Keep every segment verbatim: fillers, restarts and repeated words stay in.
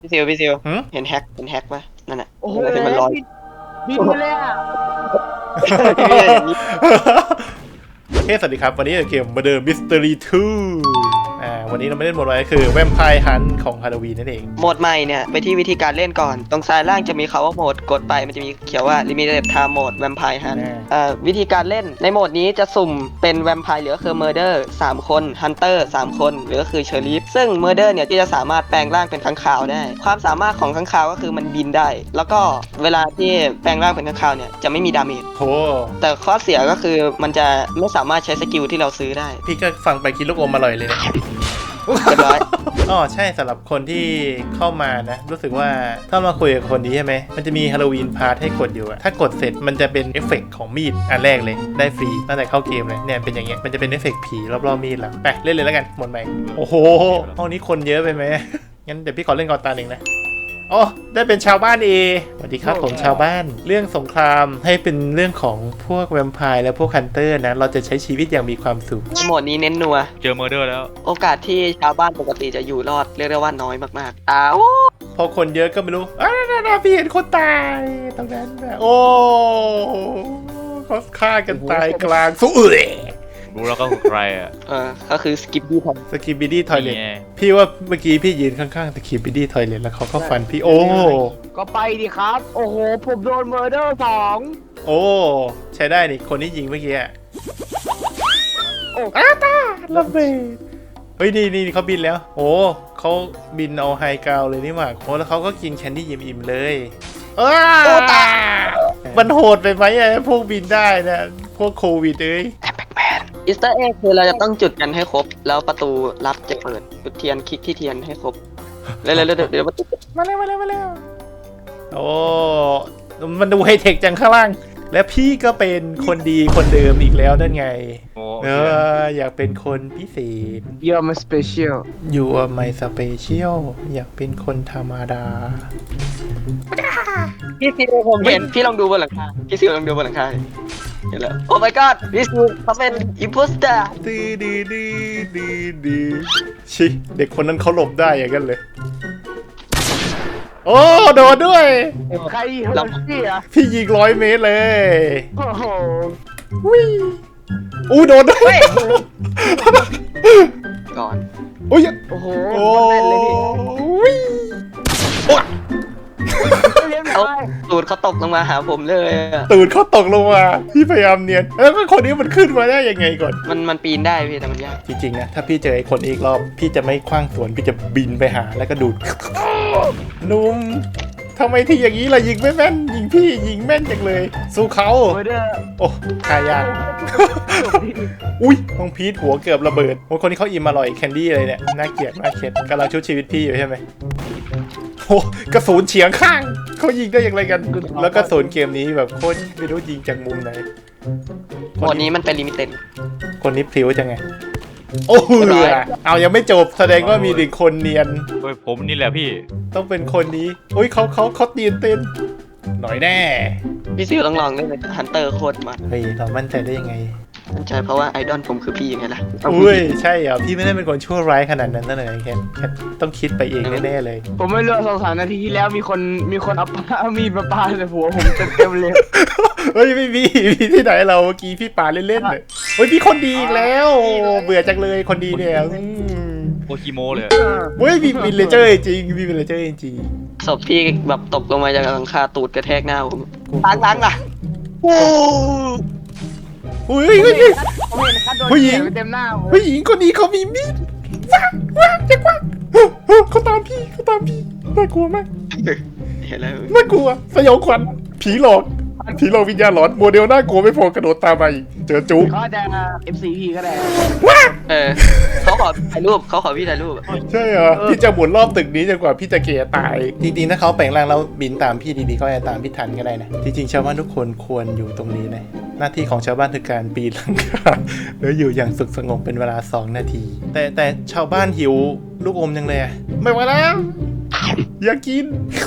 พี่ซิวพี่ซิวหืมเห็นแฮกเห็นแฮกปะนั่นน่ะโอ้โหเห็นมันลอยบินไปเลยอ่ะพี่อย่างนี้เฮ้สวัสดีครับวันนี้เกมมาเดิม Mystery ทูอ่าวันนี้เราไม่เล่นโหมดอะไรคือแวมไพร์ฮันของฮาโลวีนนั่นเองโหมดใหม่เนี่ยไปที่วิธีการเล่นก่อนตรงซ้ายล่างจะมีคำว่าโหมดกดไปมันจะมีเขียนว่า Limited Time Mode Vampire Hunt เอ่อวิธีการเล่นในโหมดนี้จะสุ่มเป็นแวมไพร์หรือคือ Murder สามคน Hunter สามคนหรือก็คือ Sheriff ซึ่ง Murder เนี่ยที่จะสามารถแปลงร่างเป็นค้างคาวได้ ความสามารถของค้างคาวก็คือมันบินได้ แล้วก็เวลาที่แปลงร่างเป็นค้างคาวเนี่ยจะไม่มีดาเมจโหแต่ข้อเสียก็คือมันจะไม่สามารถใช้สกิลที่เราซื้อได้พี่ก็ฟังไปคิดลูกอมอร่อยเลยเนี่ยเรียบร้อยอ๋อใช่สำหรับคนที่เข้ามานะ รู้สึกว่าถ้ามาคุยกับคนนี้ใช่ไหมมันจะมีฮาโลวีนพาร์ทให้กดอยู่อะถ้ากดเสร็จมันจะเป็นเอฟเฟกต์ของมีดอันแรกเลยได้ฟรีตั้งแต่เข้าเกมเลยเนี่ยเป็นอย่างเงี้ยมันจะเป็นเอฟเฟกต์ผีรอบๆมีดแล้วไปเล่นเลยแล้วกันหมดใหม่โอ้โหห้องนี้คนเยอะไปไหม งั้นเดี๋ยวพี่ขอเล่นก่อนตาหนึ่งนะอ๋อได้เป็นชาวบ้านเอสวัสดีครับผมชาวบ้านเรื่องสงครามให้เป็นเรื่องของพวกแวมไพร์และพวกฮันเตอร์นะเราจะใช้ชีวิตอย่างมีความสุขโหมดนี้เน้นนัวเจอเมอร์เดอร์แล้วโอกาสที่ชาวบ้านปกติจะอยู่รอดเรียกได้ว่าน้อยมากๆอ้าวพอคนเยอะก็ไม่รู้อ้าวพี่เห็นคนตายตรงนั้นแบบโอ้เขาฆ่ากันตายกลางสู้เอ๋ยรู้แล้วก็คือใครอ่ะเออก็คือสกิปปี้ทสกิปบิดี้ทอยเลนี่ทไงพี่ว่าเมื่อกี้พี่ยืนข้างๆสกิปบิดี้ทอยเลทแล้วเขาก็ฟันพี่โอ้ก็ไปดิครับ โอ้โห ผมโดนเมอร์เดอร์สองโอ้ใช้ได้นี่คนที่ยิงเมื่อกี้อะโอ้อ้าตาระเบิดเฮ้ยนี่นี่เขาบินแล้วโอ้เขาบินเอาไฮกราวเลยนี่หว่าโอ้แล้วเขาก็กินแคนดี้อิ่มๆเลยอ้ามันโหดไปไหมไอ้พวกบินได้นะพวกโควิดเอ้ยำแบ็กแมนอีสเตอร์เอ็กคือเราจะต้องจุดกันให้ครบ แล้วประตูลับจะเปิดจุดเทียนคลิกที่เทียนให้ครบเร็วๆเดี๋ยวเดี๋ยวประตูมาเร็วมาเร็วมาเร็วโอ้มันดูไฮเทคจังข้างล่างและพี่ก็เป็นคนดีคนเดิมอีกแล้วนั่นไงโอ้เอออยากเป็นคนพิเศษเยี่ยมสเปเชียล You are my special อยากเป็นคนธรรมดาพี่ซิวผมเห็นพี่ลองดูบนหลังคาพี่ซิวลองดูบนหลังคาเห็นแล้วโอ้ my god พี่ซิวเขาเป็นอิมโพสเตอร์ดื้อดื้อดื้อดื้อดื้อชิเด็กคนนั้นเขาหลบได้อย่างนั้นเลย โอ้โดนด้วยใครเฮลซี่อ่ะพี่ยิงร้อยเมตรเลยโอ้โหวิอู้โดนด้วยก่อนอุ้ยโอ้โหโอ้เล่นเลยพี่วิโอ้เล่นเอาไปตูดเขาตกลงมาหาผมเลยอะตูดเขาตกลงมาพี่พยายามเนียนแล้วก็คนนี้มันขึ้นมาได้ยังไงก่อนมันมันปีนได้พี่แต่มันยากจริงๆนะถ้าพี่เจอไอ้คนอีกรอบพี่จะไม่คว้างสวนพี่จะบินไปหาแล้วก็ดูด นุ่มทำไมที่อย่างนี้ล่ะยิงไม่แม่นยิงพี่ยิงแม่นจังเลย สู้เขาเมอร์เดอร์โอ้ทายากอุ้ยน้องพีทหัวเกือบระเบิดโอ้คนที่เขาอิ่มอร่อยแคนดี้อะไรเนี่ยน่าเกลียดมากเข็ดกำลังชุบชีวิตพี่อยู่ใช่ไหมโอ้กระสุนเฉียงข้างเขายิงได้อย่างไรกัน แล้วกระสุนเกมนี้แบบโคตรไม่รู้ยิงจากมุมไหนโหมดนี้มันเป็นลิมิเต็ดคนนี้พลิ้วจังไงโอ้โหเอายังไม่จบแสดงว่ามีหนึ่งคนเนียนเฮ้ยผมนี่แหละพี่ต้องเป็นคนนี้อุ้ยเขาเขาเขาตีนเต้นหน่อยแน่พี่ซิวต้องลองเล่นเลยฮันเตอร์โคตรมันเฮ้ยเรามั่นใจได้ยังไงมั่นใจเพราะว่าไอดอลผมคือพี่ไงล่ะอุ้ยใช่เหรอพี่ไม่ได้เป็นคนชั่วร้ายขนาดนั้นนั่นเลยแค่แค่ต้องคิดไปเองแน่ๆเลยผมไม่รู้สองสามนาทีที่แล้วมีคนมีคนเอาปามีดมาปาใส่หัวผมเต็มๆเลยเฮ้ยไม่มีมีที่ไหนเราเมื่อกี้พี่ปาเล่นๆเลยเฮ้ยพี่คนดีอีกแล้วเบื่อจังเลยคนดีเนี่ยอืมโอคิโมเลยเฮ้ยมีวินเลเจอร์จริงมีวินเลเจอร์จริงศพพี่แบบตกลงมาจากหลังคาตูดกระแทกหน้าผมล้างล้างล่ะโอ้อุ้ยเฮ้ยเฮ้ยผมเห็นคัดโดนผู้หญิงเต็มหน้าผมผู้หญิงคนนี้เขามีมีดว้างว้างจะกว้างเขาตามพี่เขาตามพี่น่ากลัวมากเห็นแล้วน่ากลัวสยองขวัญผีหลอกผีหลอกวิญญาณหลอนโมเดลน่ากลัวไม่พอกระโดดตามมาอีกเจอจุ๊บเขาจะ เอฟ ซี พี ก็ได้เออเขาขอถ่ายรูปเขาขอพี่ถ่ายรูปใช่เหรอพี่จะหมุนรอบตึกนี้จนกว่าพี่จะเกยตายจริงๆถ้าเขาแปลงร่างแล้วบินตามพี่ดีๆก็จะตามพี่ทันก็ได้นะจริงๆชาวบ้านทุกคนควรอยู่ตรงนี้นะหน้าที่ของชาวบ้านคือการปีนหลังคาแล้วอยู่อย่างสุขสงบเป็นเวลาสองนาที แต่แต่ชาวบ้านหิวลูกอมยังเลยอะไม่ไหวแล้วอยากกิน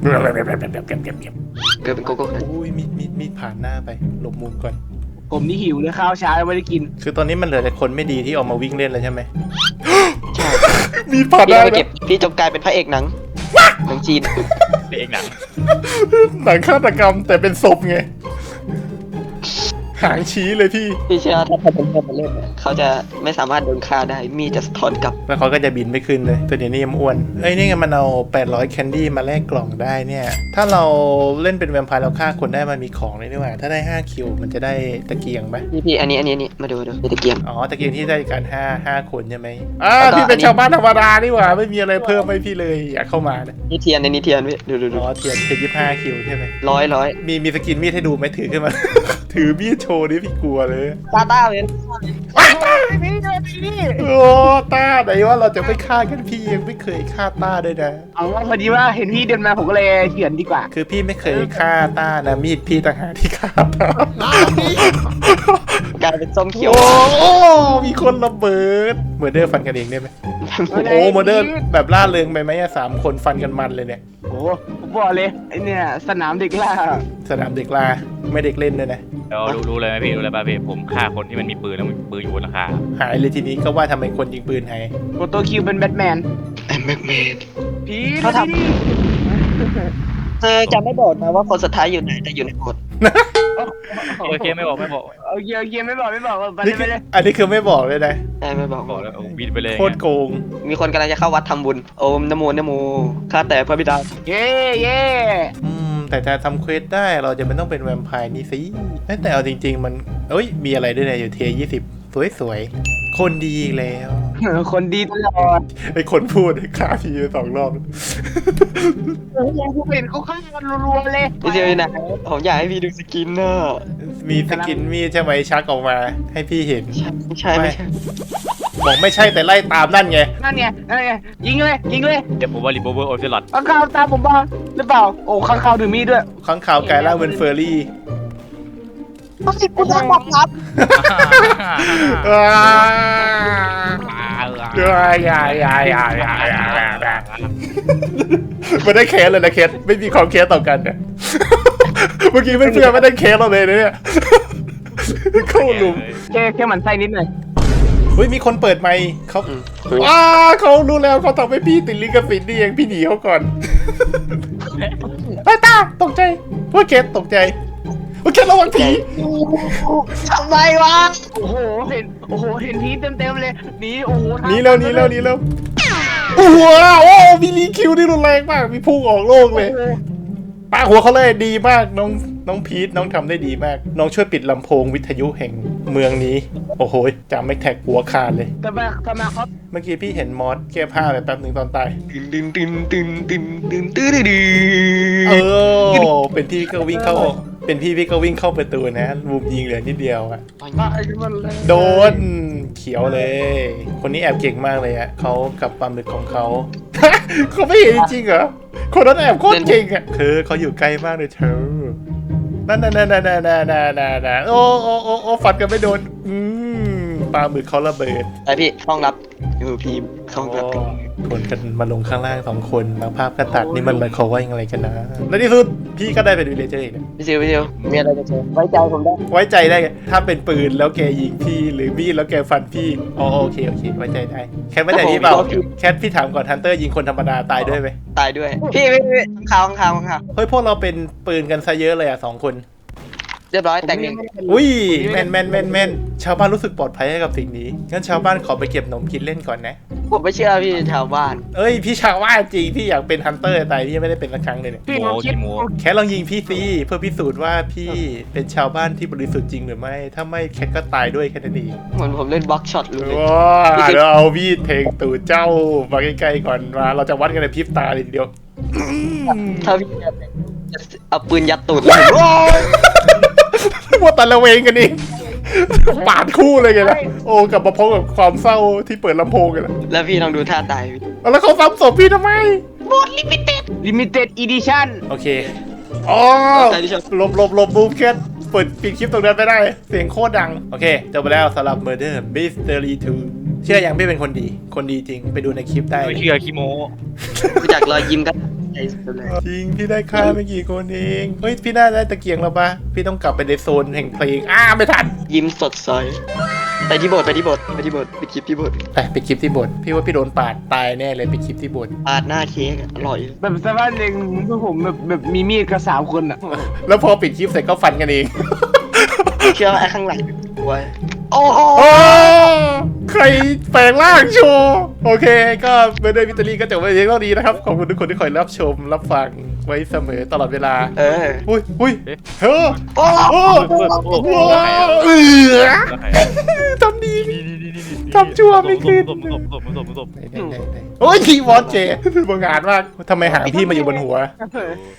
เกิดเป็นโกโก้คันอุ้ยมีดมีดมีดผ่านหน้าไปหลบมุมก่อนผมนี่หิวเลยข้าวเช้ายังไม่ได้กินคือตอนนี้มันเหลือแต่คนไม่ดีที่ออกมาวิ่งเล่นแล้วใช่ไหมใช่มีดผ่านหพี่น้าเอาไปแล้เก็วบพี่จบกลายเป็นพระเอกหนังหนังจีนเองหนังหนังฆาตกรรมแต่เป็นศพไงหางชี้เลยพี่พี่เชื่อถ้าเขาเป็นคนมาเล่นเนี่ยเขาจะไม่สามารถโดนฆ่าได้มีจะสะท้อนกลับแล้วเขาก็จะบินไม่ขึ้นเลยตัวนี้นี่ยังอ้วนเอ้ยนี่ไงมันเอาแปดร้อยแคนดี้มาแลกกล่องได้เนี่ยถ้าเราเล่นเป็นแวมไพร์เราฆ่าคนได้มันมีของเลยนี่หว่าถ้าได้ห้าคิวมันจะได้ตะเกียงไหมพี่พี่อันนี้อันนี้อันนี้มาดูดูตะเกียงอ๋อตะเกียงที่ได้การห้าห้าคนใช่ไหมอ่าแล้วก็พี่เป็นอันนี้ชาวบ้านธรรมดานี่หว่าไม่มีอะไรเพิ่มให้พี่เลยอยากเข้ามานะนี่เทียนในนี้เทียนพี่ดูดูดูอ๋อเทียนเทียนยี่สิบห้าคิวใช่ไหมร้อยร้อยมีมีสกินมีดให้ดูไหมถือขึ้นมา ถือมีดโชว์นี่พี่กลัวเลยตาต้าเว้นนี่เลยนี่โอ้ต้าไหนว่าเราจะไม่ฆ่ากันพี่ยังไม่เคยฆ่าต้าด้วยนะเอาว่าพอดีว่าเห็นพี่เดินมาผมก็เลยเขียนดีกว่าคือพี่ไม่เคยฆ่าต้านะมีดพี่ต่างหากที่ฆ่าต้ากลายเป็นส้มเขียวโอ้โอ้มีคนระเบิดเมอร์เดอร์ฟันกันเองได้ไหมโอ้เมอร์เดอร์แบบล่าเริงไปไหมอะสามคนฟันกันมันเลยเนี่ยโอ้ผมบอกเลยไอเนี่ยสนามเด็กล่าสนามเด็กลาไม่เด็กเล่นด้วยนะเดี๋ยวรู้รู้เลยไหมพี่รู้เลยป่ะพี่ผมฆ่าคนที่มันมีปืนแล้วมันมีปืนอยู่บนหลังคาหายเลยทีนี้ก็ว่าทำไมคนยิงปืนหายโกโตคิวเป็นแบทแมนไอ้แม็กเมดพี่เขาทำ เธอจะไม่บอกนะว่าคนสุดท้ายอยู่ไหนแต่อยู่ในโบสถ์โอเคไม่บอกไม่บอกโอเคโอเคไม่บอกไม่บอกไปนี่เลยไปคือเลยอันนี้คือไม่บอกเลยนะใช่ไม่บอกบอกแล้วบินไปเลยโคตรโกงมีคนกำลังจะเข้าวัดทำบุญโอมนะโมนะโมข้าแต่พระบิดาเย่เย่อืมแต่ถ้าทำเควสได้เราจะไม่ต้องเป็นแวมไพร์นี่สิเอ้ยแต่เอาจริง ๆ มันเอ้ยมีอะไรด้วยนะอยู่เทียยี่สิบสวยๆคนดีอีกแล้วคนดีตลอดไอ้คนพูดฆ่าพี่ไปสองรอบผมเห็นเขาฆ่ากันรัวๆเลยพี่เซียวอยู่ไหนผมอยากให้พี่ดูสกินน่ะมีสกินมีดใช่ไหมชักออกมาให้พี่เห็นไม่ใช่ไม่ใช่บอกไม่ใช่แต่ไล่ตามนั่นไงนั่นไงนั่นไงยิงเลยยิงเลยเดี๋ยวผมว่ารีโบเวอร์โอเซลอตข้างข่าวตามผมบ้างหรือเปล่าโอ้ข้างข่าวถือมีดด้วยข้างข่าวกายล่างเป็นเฟอร์รี่ต้องสิกูจะบอกครับอ้าวอย่าอย่าอย่าอย่าอย่าอย่าไม่ได้แคสเลยนะเคสไม่มีความแคสต่อกันเนี่ยเมื่อกี้เพื่อนๆไม่ได้แคสเราเลยนะเนี่ยเข้าหลุมแค่แค่หมันไส้นิดหน่อยเฮ้ยมีคนเปิดไมค์เขาอ้าเขารู้แล้วเขาทำให้พี่ติดลิขสิทธิ์นี่เองพี่หนีเขาก่อนไอ้ตาตกใจพวกเคสตกใจพวกเคสระวังผีทำไมวะโอ้โหเห็นโอ้โหเห็นพีเต็มเต็มๆเลยหนีโอ้โหหนีแล้วหนีแล้วหนีแล้วโอ้โหโอ้มีรีคิวที่รุนแรงมากมีพุ่งออกโลกเลยปาหัวเขาเลยดีมากน้องน้องพีทน้องทำได้ดีมาก น้องช่วยปิดลำโพงวิทยุแห่งเมืองนี้โอ้โหจำไม่แท็กหัวขาดเลยทำไมทำไมเขาเมื่อกี้พี่เห็นมอสแก้ผ้าไปแป๊บหนึ่งตอนตายตึนตึนตึนตึนตึนตึนตึนตึนเออเป็นพี่ก็วิ่งเข้าเป็นพี่พี่ก็วิ่งเข้าประตูนะมุมยิงเหลือนิดเดียวอะไอ้มันเลยโดนเขียวเลย คนนี้แอบเก่งมากเลยอะเขากับปลาหมึกของเขา เขาไม่เห็นจริงๆเหรอคนนั้นแอบโคตรเก่งอะคือเขาอยู่ใกล้มากเลยเธอนั่นนั่นนั่นนั่นนั่นนั่นนั่นโอ้โอ้โอ้โอ้ฟันกันไม่โดนอืมปลาหมึกเขาระเบิดไอพี่ห้องรับอยู่พีมห้องรับคนกันมาลงข้างล่างสองคนแล้วภาพก็ตัดนี่มันหมายความว่ายังไงกันนะและที่สุดพี่ก็ได้เป็นวิลเลเจอร์อีกนะพี่ซิวพี่ซิวมีอะไรจะเจอไว้ใจผมได้ไว้ใจได้ไงถ้าเป็นปืนแล้วแกยิงพี่หรือมีดแล้วแกฟันพี่อ๋อโอเคโอเคไว้ใจได้แค่ไว้ใจพี่เปล่าแคทพี่ถามก่อนฮันเตอร์ยิงคนธรรมดาตายด้วยไหมตายด้วย พี่พี่พี่ข้างข่าวข้างข่าวเฮ้ยพวกเราเป็นปืนกันซะเยอะเลยอ่ะสองคนเรียบร้อยแต่งหนึ่งอุ้ยแม่นแม่นแม่นแม่นชาวบ้านรู้สึกปลอดภัยให้กับสิ่งนี้งั้นชาวบ้านขอไปเก็บขนมกินเล่นก่อนนะผมไม่เชื่อพี่ชาวบ้านเอ้ยพี่ชาวบ้านจริงพี่อยากเป็นฮันเตอร์ตายพี่ยังไม่ได้เป็นสักครั้งเลยเนี่ยพี่โมลองคิดกิโมแคทลองยิงพี่ซีเพื่อพิสูจน์ว่าพี่เป็นชาวบ้านที่บริสุทธิ์จริงหรือไม่ถ้าไม่แคทก็ตายด้วยแค่นั้นเองเหมือนผมเล่นบล็อกช็อตเลยว้าเดี๋ยวเอามีดเพลงตู่เจ้ามาใกล้ๆก่อนมาเราจะวัดกันในพริบตาเลยทีเดียวถ้าพี่จะเอาปืนยัดตูดเลยว่าตะละเวงกันเองปาดคู่เลยไงล่ะโอ้กลับมาพบกับความเศร้าที่เปิดลำโพงกันแล้วแล้วพี่ลองดูท่าตายพี่แล้วเขาซ้ำศพพี่ทำไมลิมิเต็ดอีดิชั่นโอเคอ๋อหลบหลบหลบบูมแคทเปิดปิดคลิปตรงนั้นไม่ได้เสียงโคตรดังโอเคจบไปแล้วสำหรับ Murder Mystery ทูเชื่อยังพี่เป็นคนดีคนดีจริงไปดูในคลิปได้ไม่เชื่อคิโมดูจากรอยยิ้มก็ใจสุดเลยจริงพี่ได้ค่าไม่กี่คนเองเฮ้ยพี่น่าได้ตะเกียงแล้วปะพี่ต้องกลับไปในโซนแห่งเพลงอ้าไม่ทันยิ้มสดใสไปที่โบสถ์ไปที่โบสถ์ไปที่โบสถ์ไปคลิปที่โบสถ์ไปไปคลิปที่โบสถ์พี่ว่าพี่โดนปาดตายแน่เลยไปคลิปที่โบสถ์ปาดหน้าเค้กอะอร่อยแบบสภาพหนึ่งพวกผมแบบแบบมีมีดกับสามคนอ่ะแล้วพอปิดคลิปเสร็จก็ฟันกันเองเชื่อว่าไอ้ข้างหลังไว้โอ้โหโอ้ใครแปลงร่างโชว์โอเค ก็เบอร์เดอร์วิตเตอรี่ก็จบไปเพียงเท่านี้นะครับ ขอบคุณทุกคนที่คอยรับชม รับฟังไว้เสมอตลอดเวลาเอออุ้ยอุ้ยเฮ้อโอ้โอ้โอ้โหโหเออทำดีทำชั่วไม่คืนตบตบตบตบตบไหนไหนไหนโอ้ยทีวอสเจบางงานมากทำไมหางพี่มาอยู่บนหัว